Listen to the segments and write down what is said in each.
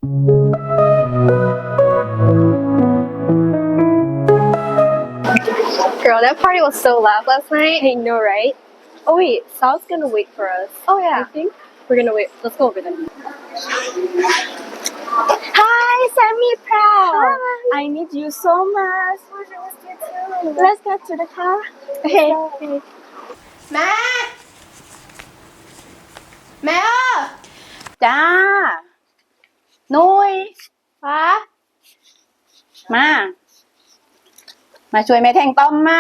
Girl, that party was so loud last night. I know, right? Oh wait, Sal's gonna wait for us. Oh yeah. I think we're gonna wait. Let's go over there. Hi, Sammy Proud. Hi. I need you so much. Let's get to the car. Okay. Mẹ Mẹ ơi จ้านุ้ย Hả มาช่วยแม่แทงต้อมมา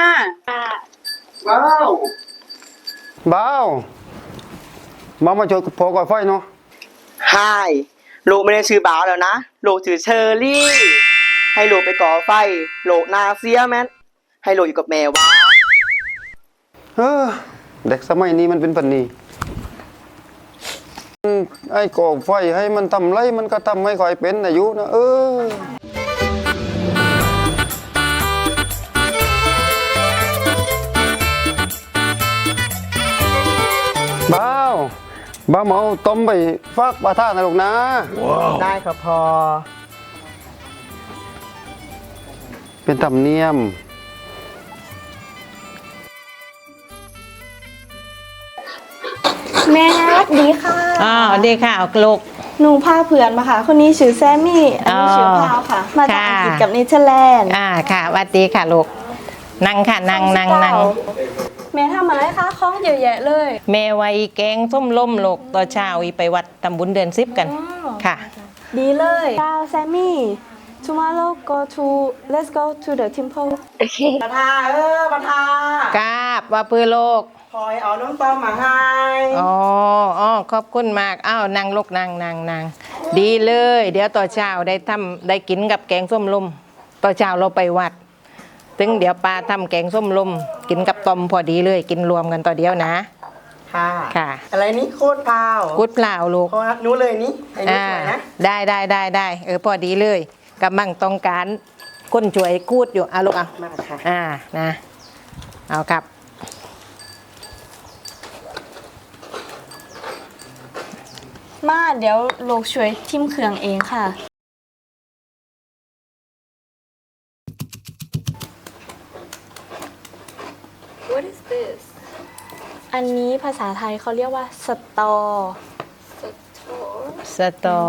บ้าวมาช่วยพอก่อไฟเนาะไฮลูกไม่ได้ชื่อบ้าวแล้วนะลูกชื่อเชอรี่ ให้ลูกไปก่อไฟลูกนาเซียแมนให้ลูกอยู่กับแม่วะเด็กสมัยนี้มันเป็นปัญนีไอ้ก่อไฟให้มันทำไรมันก็ทำไม่ค่อยเป็นอายุนะบ้าวมาเอาต้มไปฝากปลาท่านะลูกนะได้ครับพอเป็นธรรมเนียมแม่ดีค่ะดีค่ะลูกหนูพาเพื่อนมาค่ะ คนนี้ชื่อแซมมี่ อันนี้ชื่อพาวค่ะ มาจากอังกฤษกับเนเธอร์แลนด์ค่ะสวัสดีค่ะลูกนั่งค่ะนั่งแม่ทำอะไรคะของเยอะแยะเลยเมวัยแกงส้มล้มลูกต่อเช้าอีไปวัดทำบุญเดือน10กันค่ะดีเลยดาวแซมมี่ tomorrow let's go to the temple Okay. ประธาประธากราบว่าปื้อโลกคอยเอาน้องต้อมมาให้อ๋อขอบคุณมากอ้าวนั่งลูกนั่งดีเลยเดี๋ยวต่อเช้าได้กินกับแกงส้มลมต่อเช้าเราไปวัดถึงเดี๋ยวปลาทำแกงส้มลมกินกับต้มพอดีเลยกินรวมกันต่อเดียวนะ ค่ะอะไรนี่โคตรพาวกุดเปล่าลูกพอนู้เลยนี่ไอ้นี่สวยนะได้พอดีเลยกำลังต้องการคนช่วยกูดอยู่ลูกมาค่ะนะเอาครับมาเดี๋ยวโลกช่วยทิมเครื่องเองค่ะ What is this? อันนี้ภาษาไทยเขาเรียกว่าสตอสตอ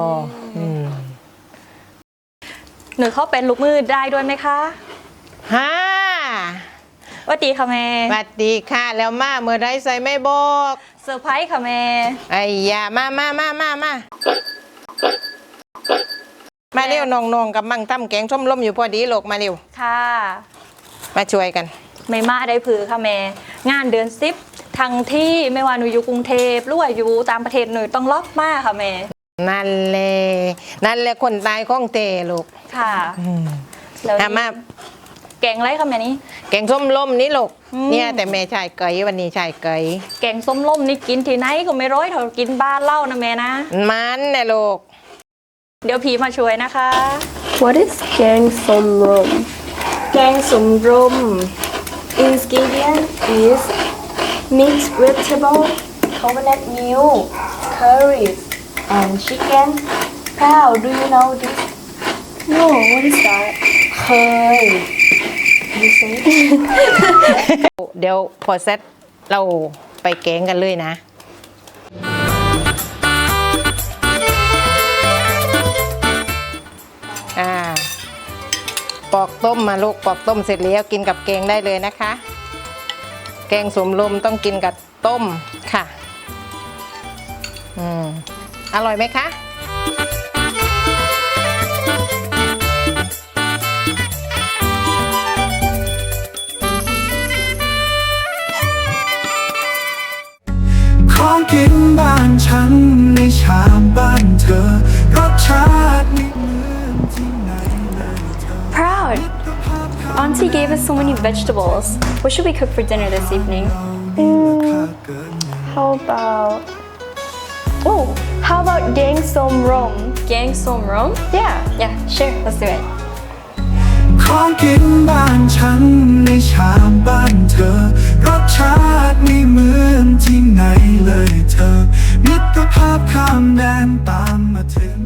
หนูเขาเป็นลูกมือได้ด้วยไหมคะฮ่าสวัสดีค่ะแม่สวัสดีค่ะแล้วมาเมื่อไรใส่ไม่บอกเซอร์ไพรส์ค่ะแม่ไอ้ยามาเร็วน้องๆกับมังตั้มแกงส้มล้มอยู่พอดีลูกมาเร็วค่ะมาช่วยกันไม่มาได้ผือค่ะแม่ งานเดือน10ทั้งที่ไม่ว่าหนูอยู่กรุงเทพหรือว่าอยู่ต่างประเทศหนูต้องล็อกมากค่ะแม่นั่นแหละคนตายของเตลูกค่ะแล้วมาแกงไรค่ะแม่นี่แกงส้มล้มนี่ลูกเนี่ยแต่แม่ชายเกยวันนี้ชายเกยแกงส้มล่มนี่กินที่ไหนก็ไม่ร้อยเท่ากินบ้านเล่านะแม่นะมันนะลูกเดี๋ยวผีมาช่วยนะคะ What is gang som rom? แกงสมรม ingredient is mixed vegetable coconut milk curries and chicken Pal do you know this No, what is that? เคย you say เดี๋ยวพอเสร็จเราไปแกงกันเลยนะปอกต้มมาลูกปอกต้มเสร็จแล้วกินกับแกงได้เลยนะคะ แกงสมลมต้องกินกับต้มค่ะอร่อยไหมคะของกินบ้านฉันในชามบ้านเธอรสชาติไม่เหมือนที่ไหนเลยเธอ Proud. Auntie gave us so many vegetables. What should we cook for dinner this evening? How about... Oh, how about gang som rom? Gang som rom Yeah, sure. Let's do it. ของกินบ้านฉันในชามบ้านเธอรสชาติไม่เหมือนที่ไหนเลยเธอมิตรภาพข้ามแดนตามมาถึง